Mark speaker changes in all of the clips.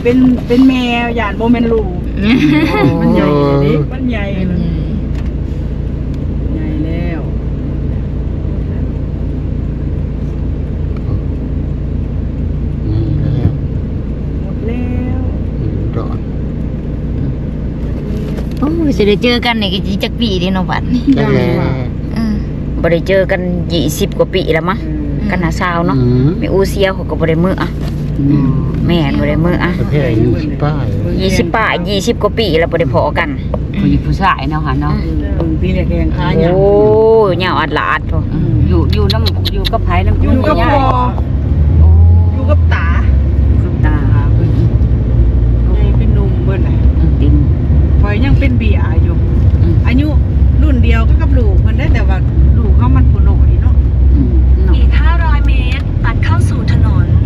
Speaker 1: เป็นแมวหยาดโบเมนลูมันใหญ่ดิมันใหญ่ใหญ่แล้วหมดแล้ว
Speaker 2: ดอน
Speaker 3: โอ้จะได้เจอกันนี่ก็จักปีเด้เนาะบัดนี้บ่ได้เจอกัน20กว่าปีแล้วมั้งกันหาสาวเนาะแม่อูเซียเขาก็บ่ได้มื้ออ่ะแม่บ่ได้มื้ออ่ะ
Speaker 2: ประเภท20 ป้าย
Speaker 3: 20 ป้าย20กว่าปีแล้วบ่ได้พอกัน
Speaker 4: ผู้หญิงผู้ชายเนาะค่ะเนาะ
Speaker 1: ปีแรกยังค้าหยัง
Speaker 3: โอ้ยาวอัดลาดพุ่น
Speaker 4: อยู่น้ำอยู่กับไผน้ำ
Speaker 1: อยู่กับพ่ออยู่กับตา
Speaker 4: กับตา
Speaker 1: ใหญ่เป็นหนุ่มเบิ่นน่ะ
Speaker 4: ติง
Speaker 1: พอยยังเป็นเบียอยู่อายุรุ่นเดียวก็กับลูกเพิ่นได้แต่ว่าลูกเขามันผู้น้อยเนาะ
Speaker 5: อีก500 เมตรตัดเข้าสู่ถนน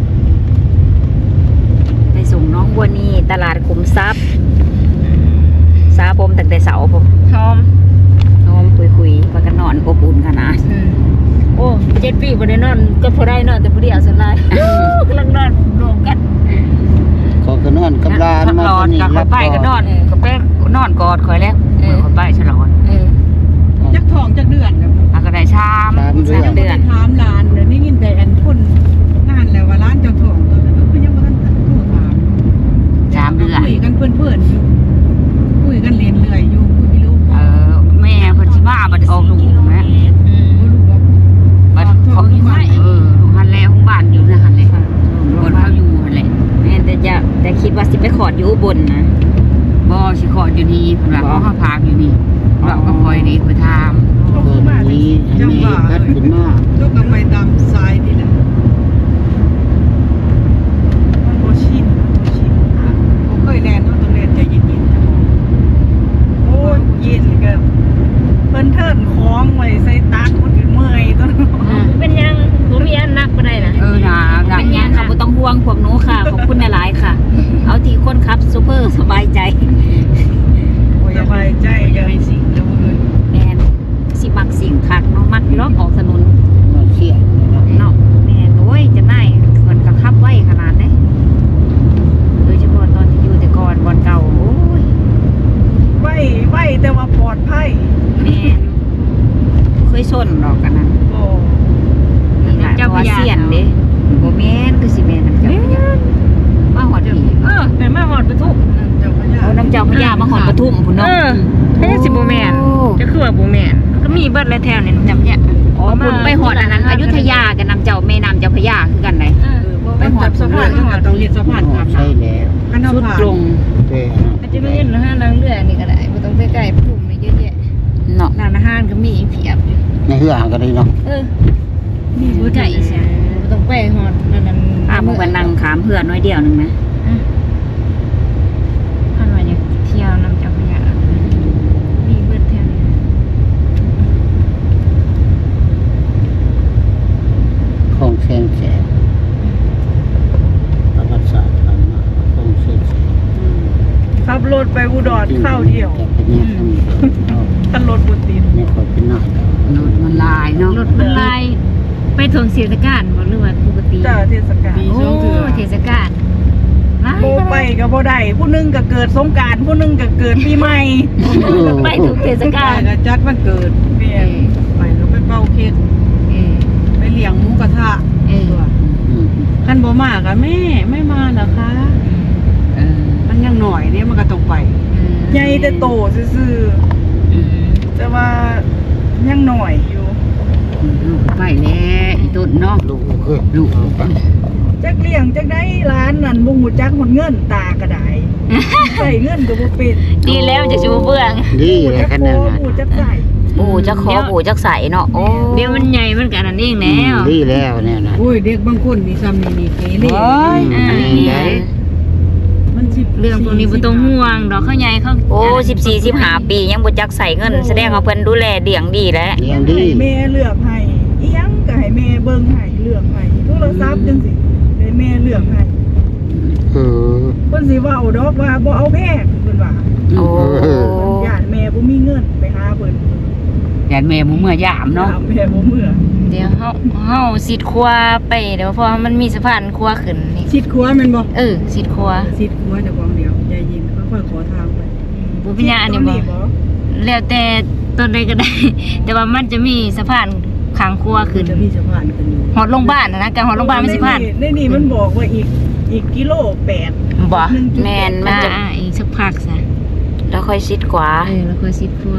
Speaker 3: ไปส่งน้องบัวนี่ตลาดขุมทรัพย์ซาผมตั้งแต่เสาร์ผม
Speaker 4: ชอม
Speaker 3: คุยว่ากันนอนอบอุ่นขนาด
Speaker 4: โอ้7 ปีบ่ได้นอนก็พอได้นอนแต่ผู้เดียวสลายกำลังนอนรวมกัน
Speaker 2: เขาก็นอนกับหลาน
Speaker 4: มาตอนนี้รับไปก็นอนก็ไปนอนกอดคอยแล้วคอยไปฉลอง
Speaker 1: จักทองจักเดือน
Speaker 4: แล้วก็ได้ชาม
Speaker 3: เดือน
Speaker 1: ถามร้านเดี๋ยวนี้ยินแต่อันพุ่นนานแล้วว่าร้านเจ้าทองคือยังบ่ทันโทรถาม
Speaker 4: 3 เดือน
Speaker 1: คุยกันเพื่อนๆอยู่คุยกันเรียนเรื่อยอยู่คุยไม่รู้
Speaker 4: แม่เพิ่นสิมาบัดออกลูกแม่บัดเขาลูกหันแล้วของบ้านอยู่นะหันเลยบนเขาอยู่หันเลย
Speaker 3: แม่แต่คิดว่าสิไปขอดอยู่อุบลนะ
Speaker 4: บ่สิขออยู่นี่เพิ่นว่าเขาพาอยู่นี่เราก็คอยดีไปถาม
Speaker 1: เพิ่นมาจังหวะ
Speaker 2: พัดขึ้นมา
Speaker 1: ลูกก็ไปตามสายนี่แหละมันบ่ชินบ่เคยแล่นเนาะต้องเล่นใจเย็นๆโอ้ยเย็นก็เพิ่นเทิร์นคล้องไว้ใส่ตักคนอื่นเมื่อยต้น
Speaker 5: เป็นยังบ่มีอันนักบ่ได้นะ
Speaker 3: เป็นยังค่ะบ่ต้องห่วงพวกหนูค่ะขอบคุณหลายๆค่ะเอาที่คนขับซูเปอร์สบายใจ
Speaker 1: สบายใจอย่าให้สิ่งเดียวเลย
Speaker 3: แม่นสิมักสิ่งคักเนาะมักล็อกออกถนน
Speaker 2: เสีย
Speaker 3: เนาะแม่นโอ้ยจะได้เพิ่นก็ขับไว้ขนาดเด้โดยเฉพาะตอนที่อยู่แต่ก่อนบ่อนเก่าโอ้ย
Speaker 1: ไว้แต่ว่าปลอดภัย
Speaker 3: แม่นเคยชนดอกกันนั่น
Speaker 1: บ่
Speaker 3: เจ้าพญาเสียนเด้บ่แม่นคือสิแม่นเจ้าพญามาหอดผี
Speaker 4: แต่มาหอดปทุม
Speaker 3: เอาน้ำเจ้าพญามาหอดปทุมพุ่นเนาะ
Speaker 4: ให้สิบ่แม่นจะคือว่าบ่แม่นก็มีเบิดแล้วแถวนี้จำเนี่ย
Speaker 3: อ๋อพุ่นไปหอดอันนั้นอยุธยากับน้ำเจ้าแม่น้ำเจ้าพญาคือกันได
Speaker 1: ไปหอดสะพานต้องเฮ็ดสะพานครับ
Speaker 2: ใช่แล้ว
Speaker 1: สุดลง
Speaker 4: อาจจะไม่เห็นนะฮะนางเรือนี่ก็ได้บ่ต้องไปใกล้ปทุมเยอะแยะ
Speaker 3: เนาะ
Speaker 4: ร้านอาหารก็มีเพียบอยู่
Speaker 2: ในเฮือก็ได้เนาะ
Speaker 4: มีบ่ไกลอีสานบ่ต้องไปฮอดนั่น
Speaker 3: มื้อวันนั่งขามเพื่อนน้อยเดียวนึงนะ
Speaker 4: ท่านว่าอยากเที่ยวน้ำเจ้าพระยามีเบิดแถวนี้
Speaker 2: ของแสนแสบประวัติศาสตร์ผ่านมาของแสนแสบ
Speaker 1: ขับรถไปอุดรเข้าเดียวท่านรถบุตร
Speaker 2: นี่คอยเป็นหน้าร
Speaker 4: ถมันลายเนาะรถมันลายไปถึงเทศกาลบ่หรือว่าปกติ
Speaker 1: จ้าเทศกาล
Speaker 4: โอ้เทศกาล
Speaker 1: โบไปกับโบได้ผู้นึงก็เกิดสงกรานต์ผู้นึงก็เกิดปีใหม่
Speaker 4: ไปถึงเทศกาล
Speaker 1: ก็จัดวันเกิดเปลี่ยนไปก็ไปเป่าเค้กไปเลี้ยงหมูกระทะท่านโบมากับแม่ไม่มาเหรอคะมันยังหน่อยเนี่ยมันก็ต้องไปใหญ่แต่โตซื่อแต่ว่ายังหน่อยอยู่
Speaker 4: ไปแล้วอีต้นเนาะลูก
Speaker 1: จักเลี้ยงจักได้ร้านนั่นบ่ฮู้จักหมดเงินตากระไดใส่เงินก็บ่เป็น
Speaker 3: ดีแล้วจะชูเบื้อง
Speaker 2: ดีเลยขนาดนั้น
Speaker 1: ปู่จักใส่
Speaker 3: ปู่จักขอปู่จักใส่เนาะโอ้
Speaker 4: เดี๋ยวมันใหญ่มันกันนั่นเองแล้ว
Speaker 2: ดีแล้วเนี่ยนะ
Speaker 1: โอ้ยเด็กบางคนนี่ซ้ำนี่เกเรมัน
Speaker 4: เรื่องพวกนี้บ่ต้องห่วงดอกเขาใหญ่เขา
Speaker 3: โอ้14-15 ปียังบ่จักใส่เงินแสดงว่าเพิ่นดูแลเลี้ยงดีแล้ว
Speaker 2: เลี้ยงดี
Speaker 1: แม่เลือกให้อีหยังก็ให้แม่เบิ่งให้เลือกให้โทรศัพท์จังซี่ให้แม่เลือกให้เพิ่นสิเว้าดอกว่าบ่เอาแพงเพิ่นว่า
Speaker 3: โอ้
Speaker 1: ญาติแม่บ่มีเงินไปหาเพิ่น
Speaker 4: ยานแม่บ่เมื่อยามเนาะ
Speaker 1: แม่บ่เมื่อ
Speaker 3: เดี๋ยวเฮาสิดครัวไปเดี๋ยวเพราะว่ามันมีสะพานครัวขึ้นนี่
Speaker 1: ชิดครัวแม่นบ่
Speaker 3: สิดครัว
Speaker 1: ชิดครัวจะของเดียวใจเย็นค่อยๆขอทางไป
Speaker 3: บ่เป็นหยังอันนี้บ่แล้วแต่ต้นใดก็ได้ แต่ว่ามันจะมีสะพานข้างครัวขึ้น
Speaker 1: จะมีสะพานขึ้นอยู่
Speaker 3: ฮอดโรงพยาบาลนะการฮอดโรงพยาบาลมันสิผ่าน
Speaker 1: ในนี่มันบอกว่าอีกกิโล8
Speaker 3: บ่แม่นมันจะ
Speaker 4: อีกสักพักซะ
Speaker 3: แล้วค่อยชิดขวา
Speaker 4: แล้วค่อยสิครัว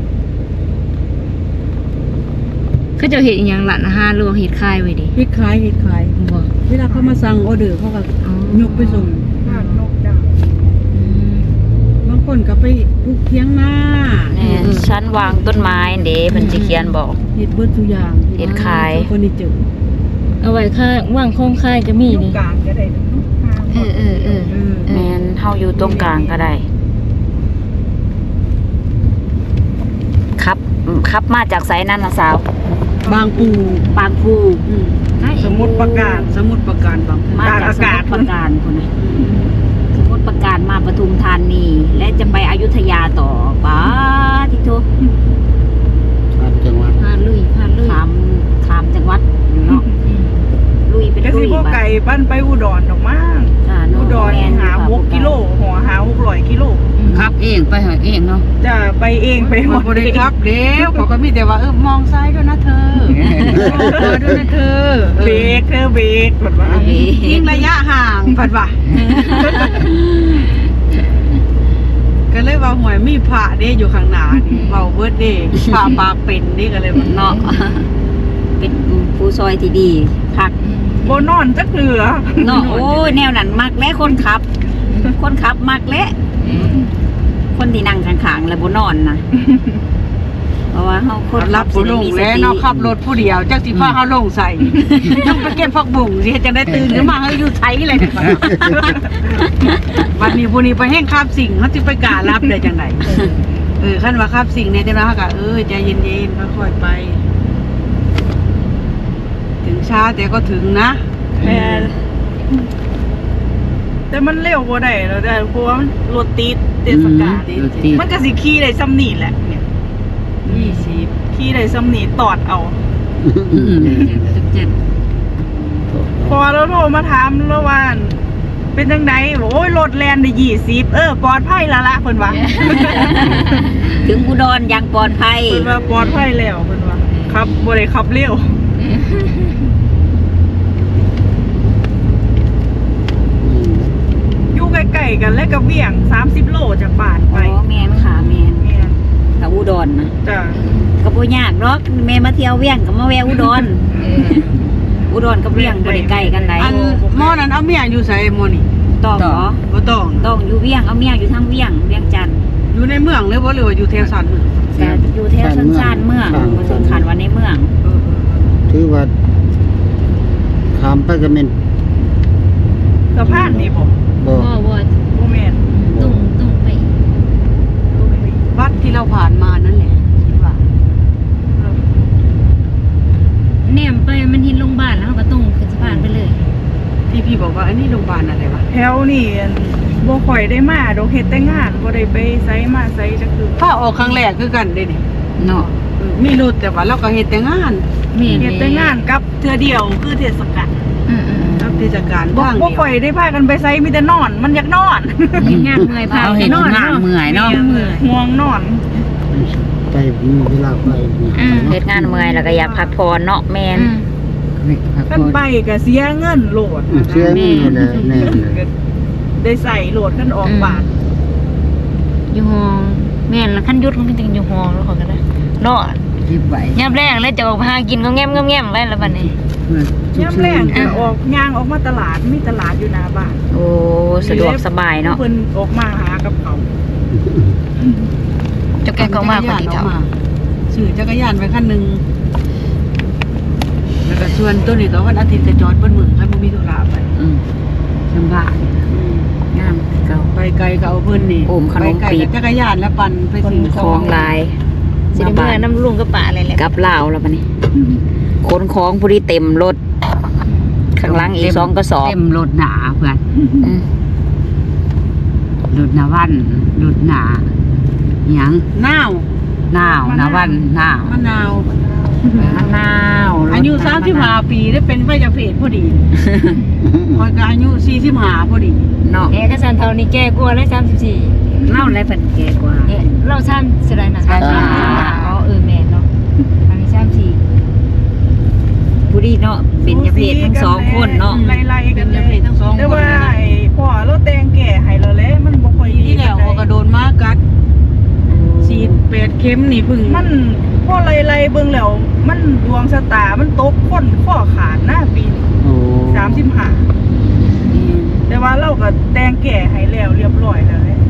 Speaker 4: เขาจะเฮ็ดอีหยังล่ะนะฮะหรือว่าเฮ็ดคายไว้ดิ
Speaker 1: เฮ็ดขาย
Speaker 4: บ่
Speaker 1: เวลาเขามาสั่งออเดอร์เขาก็ยกไปส่งบ้านนกดาวบางคนก็ไปปลูกเถียงนา
Speaker 3: แม่นชั้นวางต้นไม้เด้เพิ่นสิเขียนบอก
Speaker 1: เฮ็ดเบิดทุกอย่าง
Speaker 3: เฮ็ดขาย
Speaker 1: คนนี้เจอ
Speaker 4: เอาไว้ค่าว่างโครงคายก็มี
Speaker 1: ลู
Speaker 4: นี่
Speaker 1: กกลางก็ได้เนาะ
Speaker 3: แม่นเฮาอยู่ตรงกลางก็ได้ครับมาจากไสนั่นน่ะสาว
Speaker 1: บางปู
Speaker 3: ปางกู
Speaker 1: สมุดประการบางปู
Speaker 3: มาจากสมุทรปราการคนน่ะสมุทรปราการมาปทุมธานีและจะไปอยุธยาต่อป้าทิโต
Speaker 2: ชาติจังหวัด
Speaker 4: พาลุย
Speaker 3: ขามจังหวัดเนาะลุยเป็น
Speaker 1: ก็
Speaker 3: ลุ
Speaker 1: สิ
Speaker 3: ย
Speaker 1: บ่
Speaker 3: บัด
Speaker 1: ไก่ปั้นไปอุดรดอกมั้ง
Speaker 3: จ้าเนาะ
Speaker 1: อุดร
Speaker 3: แม่น
Speaker 1: หา6กิโลหัวหา600กิโล
Speaker 4: ครับเองไปหาเองเนาะ
Speaker 1: จะไปเองไปหมดเลยครับเดี๋ยวเขาก็มีแต่ว่ามองซ้ายด้วยนะเธอด้วยนะเธอเบรกผัดว่ายิ่งระยะห่างผัดว่าก็เลยว่าหวยมีพระเด้อยู่ข้างหน้านี่เว้าเบิดเด้พระปากเป็นนี่ก็เลยว่า
Speaker 3: เนาะเป็นผู้ซอยที่ดีพัก
Speaker 1: บ่นอนจักเทื่อ
Speaker 3: เนาะโอ้ยแนวนั้นมักและคนขับมักและคนที่นั่งข้างๆแล้วบ่นอนนะเพราะว่าเฮาคน
Speaker 1: รับผู้ลงแล้วเนาะขับรถผู้เดียวจักสิพาเฮาลงใส่ต้องไปเก็บผักบุ้งสิจังได้ตื่นขึ้นมาเฮาอยู่ไทยเลยวันนี้ผู้นี้ไปแห้งคาบสิ่งเฮาสิไปกล้ารับได้จังไดคันว่าคาบสิ่งเนี่ยจังได๋เฮาก็ใจเย็นๆค่อยๆไป ถึงช้าแต่ก็ถึงนะแต่มันเร็วกว่าได้แล้วได้เพราะว่ารถติดเทศกาลมันก็สิขี่ได้ซ้ำนี่แหละเนี่ย20ขี่ได้ซ้ำนี่ตอดเอา พอเราโทรมาถามแล้วว่าเป็นจังไดบอกโอ้ยรถแล่นได้20ปลอดภัยแล้วล่ะเพิ่นว่า
Speaker 3: ถึงอุดรอย่างปลอดภัย
Speaker 1: เพิ่นว่าปลอดภัยแล้วเพิ่นว่าครับบ่ได้ขับเร็วอยู่ใกล้ๆกันและกับเวียง30โลจากบ้านไป
Speaker 3: อ๋อแม่นค่ะแม่น
Speaker 1: แม่น
Speaker 3: กับอุดรนะ
Speaker 1: จ้ะ
Speaker 3: ก็บ่ยากหรอกแม่มาเที่ยวเวียงก็มาแวะอุดรอุดรกับเวียงบ่ได้ใกล้กันได
Speaker 1: อันหม้อนั้นเอาเมียอยู่ไสหม้อนี่
Speaker 3: ต้องเหรอ
Speaker 1: บ่ต้อง
Speaker 3: ต้องอยู่เวียงเอาเมียอยู่ทางเวียงจันทน์
Speaker 1: อยู่ในเมืองเลยบ่หรือว่าอยู่แถวสันเมือง
Speaker 3: แต่อยู่แถวชานเมืองบ่ถึงขันว่าในเมือง
Speaker 2: ถือว่าข้ามไปก็แม่น
Speaker 1: สะพานนี่บ่
Speaker 2: บ่
Speaker 1: บ่แม่น
Speaker 4: ต้องไป
Speaker 1: วัดที่เราผ่านมานั่นแหละคิดว่า
Speaker 4: แนมไปมันเห็นโรงพยาบาลแล้วก็ต้องขึ้นสะพานไปเลย
Speaker 1: ที่พี่บอกว่าอันนี้โรงพยาบาลอะไรวะแถวนี่บ่ค่อยได้มาดอกเฮ็ดแต่งานบ่ได้ไปไสมาไสจักคือถ้าออกครั้งแรกคือกันเด้นี่
Speaker 3: เนาะ
Speaker 1: มีรถแต่ว่าเราก็เฮ็ดแต่งาน
Speaker 4: แม่น
Speaker 1: เฮ็ดแต่งานกับเทื่อเดียวคือเทศกาลกับเทศกาลบ่ค่อยได้พากันไปไสมีแต่นอน มันอยากนอน
Speaker 4: เห็นงานเมื่อยพา
Speaker 3: เอาเห็นงานเมื่อยเนาะ
Speaker 1: ห่วงนอน
Speaker 2: ไปมีเวลาไป
Speaker 3: เฮ็ดงานเมื่อยแล้วก็อยากพักผ่อนเนาะแม่น
Speaker 1: คันไปก็เสียเงินโหลด
Speaker 2: เชื่อนี่แหละแน่เลย
Speaker 1: ได้ใส่โหลดคันออกบ้าน
Speaker 4: อยู่ห้องแม่นแล้วคันยุดมันจริงอยู่ห้องแล้วเขาก็ได้เนาะ
Speaker 2: คิดไว้
Speaker 4: ยามแรกแล้วจะออกมาหากินก็แง้มไว้แล้วบัดนี้
Speaker 1: ยามแรงก็ออกย่างออกมาตลาดมีตลาดอยู่หน้าบ้าน
Speaker 3: โอ้สะดวกสบายเนาะ
Speaker 1: เพิ่นออกมาหากับเขา
Speaker 4: เจ้าแกก็มาคนที่เฒ่า
Speaker 1: ซื้อจักรยานไปคันหนึงแล้วก็ชวนตัวนี้ก็วันอาทิตย์จะจอดบนมือให้บ่มีธุระไป
Speaker 3: ลำบากงามเก่า
Speaker 1: ไปไกลก็เอาเพิ่นนี่
Speaker 3: โอมขนม
Speaker 1: ไปไกล
Speaker 3: ปี๊บ
Speaker 1: กับจักรยานแล้วปั่นไปซื้อ
Speaker 3: ของลาย
Speaker 4: สิได้เมื่อน้ำลุงกับป่าอะไรแหละ
Speaker 3: กับลาวแล้วบัดนี้ขนของผู้ที่เต็มรถข้างหลังอีก2กระสอบ
Speaker 4: เต็มรถหนาเพื่อนรถหนาวันรถหนาหยัง
Speaker 1: หนาว
Speaker 4: หนาวนะวันหนาว
Speaker 1: มะนาว
Speaker 4: มะนาว
Speaker 1: อายุ35ปีได้เป็นพยาเพศพอดีคอยก็อายุ45พอดี
Speaker 4: เนาะ
Speaker 3: ก็สันเท่านี้แก่กว่าเลย34
Speaker 4: เล่าอะไรเป็นแก่กว่า
Speaker 3: เรา3สิได้น่ะอ๋อแม่นเนาะอันนี้34
Speaker 4: ผู้ดีเนาะเป็นยาเพศทั้งสองคนเนาะ
Speaker 6: ไล่ๆกัน
Speaker 1: เป็น
Speaker 6: เลย
Speaker 1: ยาเพศทั้งสอง
Speaker 6: แต่
Speaker 1: คน
Speaker 6: ว่าไอ้พ่อเราแต่งแก่ให้เราแล้วมันบ่ค่อยดี
Speaker 1: ที่แล้วเขาก็โดนมากัดฉีด8เข็มนี่พึ่ง
Speaker 6: มันพ่อไล่ๆเบิ่งแล้วมันดวงชะตามันตกคนข้อขาดหน้าปีนี้
Speaker 2: โอ้
Speaker 6: 35แต่ว่าเราก็แต่งแก่ให้แล้วเรียบร้อยแล้วแหละ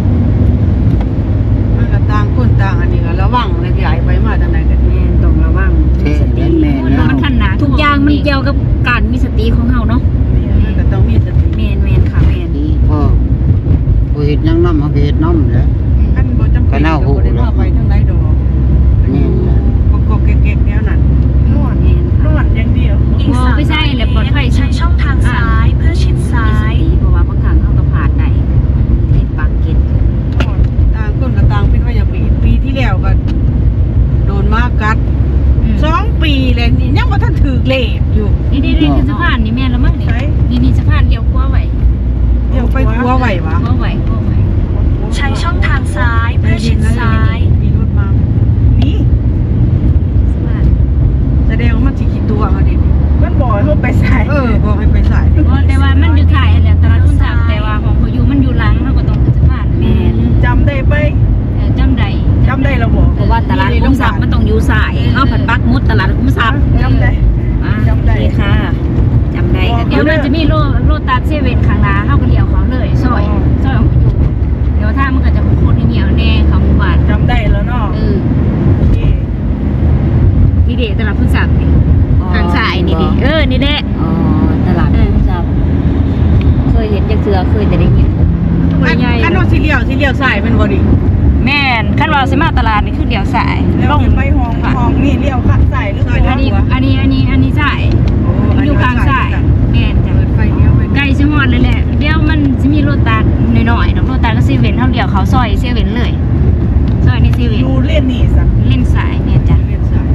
Speaker 1: มันก็ต่างคนต่างอันนี้ก็ระวังเลยใหญ่ไปมาทางไหนกัน
Speaker 4: แม่ต้องระวัง
Speaker 2: เท่แม่นแม่นแล้ว
Speaker 3: มันขนาดทุกอย่างมันเกี่ยวกับการมีสติของเฮาเนาะ
Speaker 1: มันก็ต้องมีสติ
Speaker 3: แม่นค่ะแม่น
Speaker 2: นี่พ่อบ่เฮ็ดหยังนำเอาไปเฮ็ดนำแหล้ว
Speaker 1: อันบ่จำเป็นก็บ่ได้ว่าไปทางใดดอก
Speaker 2: แม่นแล้ว
Speaker 1: ก็เก๊กๆแนวนั้น
Speaker 6: นวดอย่างเดียว
Speaker 5: อีก
Speaker 3: บ่ไปใช่แหละปลอดภัย
Speaker 5: ใช้ช่องทางซ้ายเพื่อชิดซ้าย
Speaker 4: เพราะว่าบางครั้งเขาก็ผ่านได้เทศปากเกต
Speaker 1: ต่างคนก็ต่างเป็นว่าอย่างปีที่แล้วก็โดนมากัด2 ปีแล้วนี่ยังบ่ทันถูกเลขอยู่
Speaker 3: นี่คือสะพานนี่แม่นแล้วมั้ง
Speaker 6: ใช้
Speaker 3: นี่สะพานเลี้ยวขวาไว้
Speaker 1: เดี๋ยวไปครัวไหววะ
Speaker 3: ขวาไว้
Speaker 5: ใช้ช่องทางซ้ายเพื่อชิดซ้าย
Speaker 1: มีรถมา
Speaker 6: นี่
Speaker 3: สะพาน
Speaker 1: แสดงว่ามันสิกี่ตัวเอาดิ
Speaker 6: มันบอกให้เราไปใส่
Speaker 1: บอกให้ไปใส่
Speaker 3: แต่ว่ามันอยู่ถ่ายแหละตลาดคุณทรัพย์แต่ว่าของเขาอยู่มันอยู่หลังเฮาก็ต้องขึ้นสะพานแม่น
Speaker 6: จำได้ไป
Speaker 3: จำได้
Speaker 6: จำได้เราบอก
Speaker 4: เพราะว่าตลาดคุ้มทรัพย์มันต้องอยู่สายเขาผัดปักมุดตลาดคุ้มทรัพย์
Speaker 6: จำได้ จำได้
Speaker 4: โอเคค่ะจำได้ก็
Speaker 3: เดี๋
Speaker 4: เดี๋
Speaker 3: ย
Speaker 4: ยว ว
Speaker 3: มันจะมีโลตัสเซเว่นข้างหน้าเฮาก็เลี้ยวเขาเลยซอยของเขาอยู่เดี๋ยวถ้ามันก็จะโคตรเหนียวแน่เขาหมู่บ้าน
Speaker 6: จำได้แล้วเนาะ
Speaker 3: โอเคนี่เด็ตลาดคุณทรัพย์นี่ทางซ้ายนี่ดินี่แหละ
Speaker 4: อ๋อตลาดคุ้มทรัพย์เคยเห็นจักเทือเคยแต่ได้ยิน
Speaker 1: อันว่าสิเลี้ยวใส่มันบ่ดิ
Speaker 3: แม่นคันว่าสิมาตลาดนี่คือเลี้ยวซ้าย
Speaker 6: แล้วขึ้นไปห้องนี่เลี้ยวขัดใส่หรือเปล่า
Speaker 3: อันนี้ซ้ายอยู่ข้างซ้ายแม่นจ้ะ
Speaker 1: เปิดไฟเลี้ยวไป
Speaker 3: ใกล้สิฮอดเลยแหละเดี๋ยวมันสิมีโลตัสน้อยๆเนาะโลตัสก็เซเว่นเฮาเลี้ยวเขาซอยเซเว่นเลยซอยนี่เซเว่น
Speaker 6: ดูเล่นนี่สัก
Speaker 3: เล่นซ้ายเนี่ยจ้ะ
Speaker 1: เลี้ยวใส่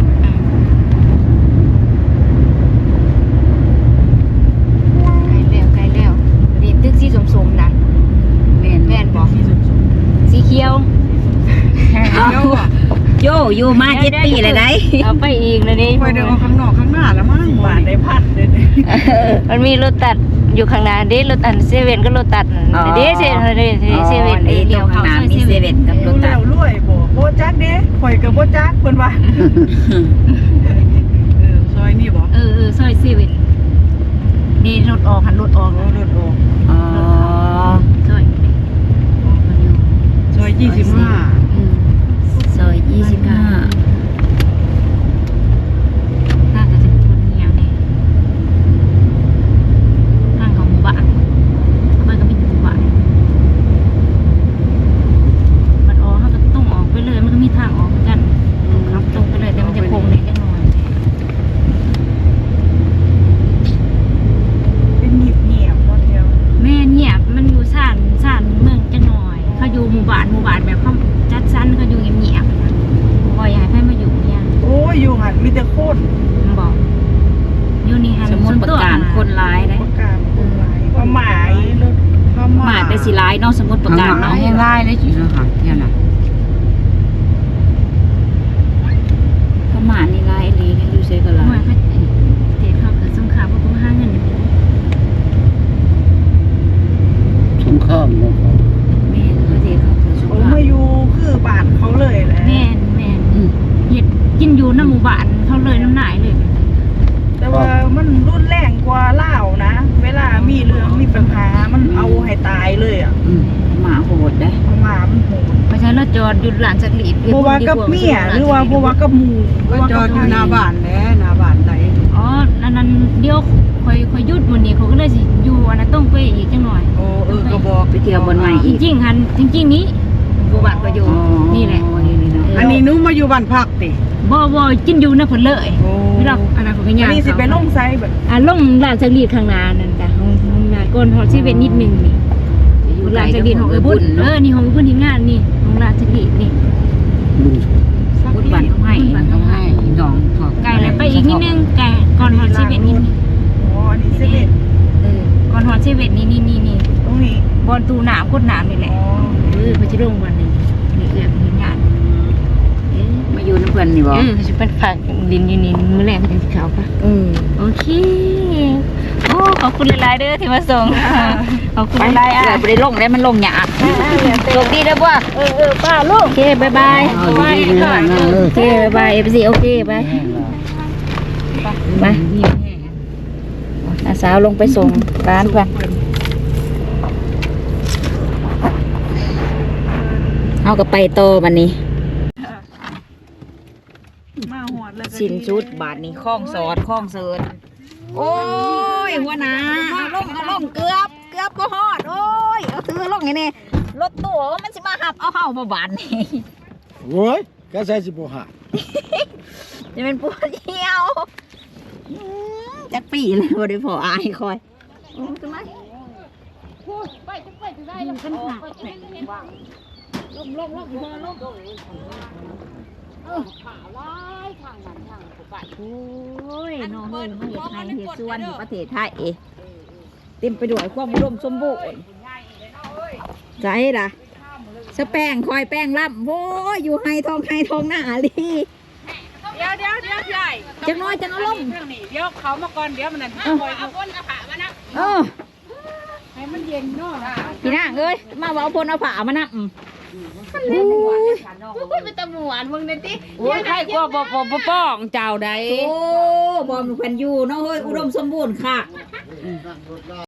Speaker 3: ใกล้แล้วนี่ตึกสีส้มๆนะ
Speaker 4: แม่น
Speaker 3: แม่นบ่
Speaker 1: ที่สุด
Speaker 3: สีเขียว
Speaker 1: เลี้ยวอ่ะ
Speaker 4: โยอยู่มา7 ปีเลยได้
Speaker 3: เอาไปอีกเลยนี่
Speaker 1: ไปเดินข้างนอกข้างหน้าแล้วมั้ง
Speaker 6: บาทได้พันเลย
Speaker 3: มันมีรถตัดอยู่ข้างหน้าเด้รถอันเซเว่นก็รถตัดเด้เซเว่น
Speaker 4: เลี้ยวข้างหน้ามีเซเว่นกับร
Speaker 6: ดู
Speaker 4: ถตั
Speaker 6: แล้
Speaker 4: ด
Speaker 6: วรวยบ่โบจักเด้ข่อยกับโบจักเพิ่นว่า
Speaker 1: ซอยนี่บ่
Speaker 3: ซอยเซเว่นนี่รถออกหันรถออก
Speaker 1: รถออก
Speaker 4: อ๋อ
Speaker 3: ซอย
Speaker 1: ซอย25
Speaker 4: ซอย25
Speaker 3: น่าจะเป็นคนเงียบนี่ทางของหมู่บ้านมันก็มีหมู่บ้านมันออกเขาก็ต้องออกไปเลยมันก็มีทางออกเหมือนกันครับตรงไปเลยแต่มันจะโค้งนิดจังหน่อย
Speaker 6: เป็นเงียบๆพอเดียว
Speaker 3: แม่เงียบมันอยู่ซ่านเมืองจังหน่อยเขาอยู่หมู่บ้านแบบเขาจัดสรรเขาอยู่เงียบๆนะบ่อยากให้มาอยู่เนี่ย
Speaker 6: โอ้ยอยู่หันมีแต่โคตร
Speaker 3: มันบอกอยู่นี่ฮะ
Speaker 4: สมมุติประกาศคนร้ายได้
Speaker 6: ประกาศคนหลายความหมาย
Speaker 1: รถเข้า
Speaker 4: หมาแต่สิร้ายเนาะสมมุติประกาศเนาะให้ร้ายเลยจิเนาะค่ะเนี่ยน่ะเขาหมานี่ร้ายอีหลีเนี่ยอยู่เซก็ร้า
Speaker 3: หน่วย ยเขาเทศเขาเกิดสงครามเขาต้องหาเงิน
Speaker 2: สงครามเนาะ
Speaker 4: แม่นประเทศเขาคือสง
Speaker 6: โอ้
Speaker 4: คราม
Speaker 6: มาอยู่คือบ้านเขาเลยแหละ
Speaker 3: แม่นเฮ็ดกินอยู่น้ำหมู่บ้านเขาเลยน้ำหนายเลย
Speaker 6: แต่ว่ามันรุนแรงกว่าลาวนะ เวลามีเรื่องมีปัญหามันเอาให้ตายเลยอ่ะ
Speaker 4: หมาโหดได้
Speaker 6: หมามันโหด
Speaker 3: เพราะฉะนั้นเราจอดอยู่หลังจากหลีด
Speaker 6: บ่ว่ากับเมียหรือว่าบ่ว่ากับหมู่
Speaker 1: ก็จอดอยู่หน้าบ้านแหละหน้าบ้านไหน
Speaker 3: อ๋อนั้นเดี๋ยวคอยหยุดวันนี้เขาก็เลยสิอยู่อันนั้นต้องไปอีกจังหน่อย
Speaker 1: โอ้ก็บอก
Speaker 4: ไปเที่ยวบนใหม่
Speaker 3: จ
Speaker 4: อีก
Speaker 3: ริงๆหันจริงๆนี้หมู่บ้านก็อยู่นี่แหละ
Speaker 4: นี่เนาะ
Speaker 1: อันนี้หนูมาอยู่บ้านพักติ
Speaker 3: บ่กินอยู่นะเพิ่นเลย
Speaker 1: โอ้
Speaker 3: เวลาอันนั้นเขาก็
Speaker 6: อั
Speaker 3: ย่าน ง
Speaker 6: นี้สิไปลงไซแบบ
Speaker 3: ลงหลังจากหลีดข้างหน้านั่นจ้ะของงานก่อนฮอดสิเว้นนิดนึงนี่
Speaker 4: อยู่
Speaker 3: ห
Speaker 4: ไกล
Speaker 3: ลังจาก
Speaker 4: กับ
Speaker 3: หลีดของเอ้ยบุญ
Speaker 4: เนาะ
Speaker 3: นี่ของเอ้ยบุญทีมงานนี่ของหลังจากหลีดนี่
Speaker 2: บุญ
Speaker 3: พุทธบ้านเขาให้
Speaker 4: ต้องให้ดองพวก
Speaker 3: ไกลแล้วไปอีกนิดนึงไกลก่อนฮอดชีวิตนี่
Speaker 6: อ๋ออันนี้เซเว่น
Speaker 3: ก่อนฮอดชีวิตนี่
Speaker 6: ตรงนี้
Speaker 3: บอลตูหนามกดหนามนี่แหละ
Speaker 6: อ๋อ
Speaker 3: เขาจะลงวันนี้นี่เอื้อมหินหยาด
Speaker 4: มาอยู่น้ำเพื่อนนี่บ่
Speaker 3: เขาจะเป็นผักดินอยู่นี่มื้อแรกเป็นขาวปะโอเคโอ้ขอบคุณหลายๆเด้อที่มาส่งขอบคุณหลายๆอ่ะ
Speaker 4: ไปได้ลงได้มันลงหยาดโชคดีเด้อบ่
Speaker 6: ป้าลูก
Speaker 3: โอเคบายบาย
Speaker 2: เอาดีๆนะนั่งเลย
Speaker 3: โอเคบายบายFC โอเคบายไปน้าสาวลงไปส่งร้านก่อนเอากับไปโตวันนี้
Speaker 6: มาหอดแล้วก็
Speaker 3: สินชุดบาทนี้คล้องสอดคล้องเสิร์ชโอ้ยหัวหนาเอาลงเกือบก็ฮอดโอ้ยเอาซื้อลงไงเนี่ยรถตู้มันสิมาหับเอาเห่ามาบานนี่
Speaker 2: โว้ยก็ใส่สิบ่หา
Speaker 3: จะเป็นปวดเหี่ยวจักปีเลยบ่ได้พออายคอยขึ้นมาโอ้ยน้องเอ้ยมาเฮ็ดไห้เฮ็ดสวนอยู่ประเทศไทยเต็มไปด้วยความอุดมสมบูรณ์ใจล่ะสแป้งคอยแป้งล่ำโอ้ยอยู่ไฮทองหน้าลี
Speaker 1: เดี๋ยวใหญ่
Speaker 3: จังน้อยจังเอาลง
Speaker 1: เรื่องนี้เดี๋ยวเขามาก่อนเดี๋ยวมันนั่นเอาก้นเอาผ้ามานะ ให้มันเย็นเนาะ
Speaker 3: พี่นางเอ้ยมาเอาพลเอาผ้ามานะ
Speaker 1: พูดเป็นตะหมวนมึงเนี่ยติ
Speaker 4: โอ้ยใครกลัวบ่ป้องเจ้าใด
Speaker 3: โอ้บอมแผ่นอยู่เนาะเฮ้ยอุดมสมบูรณ์ค่ะ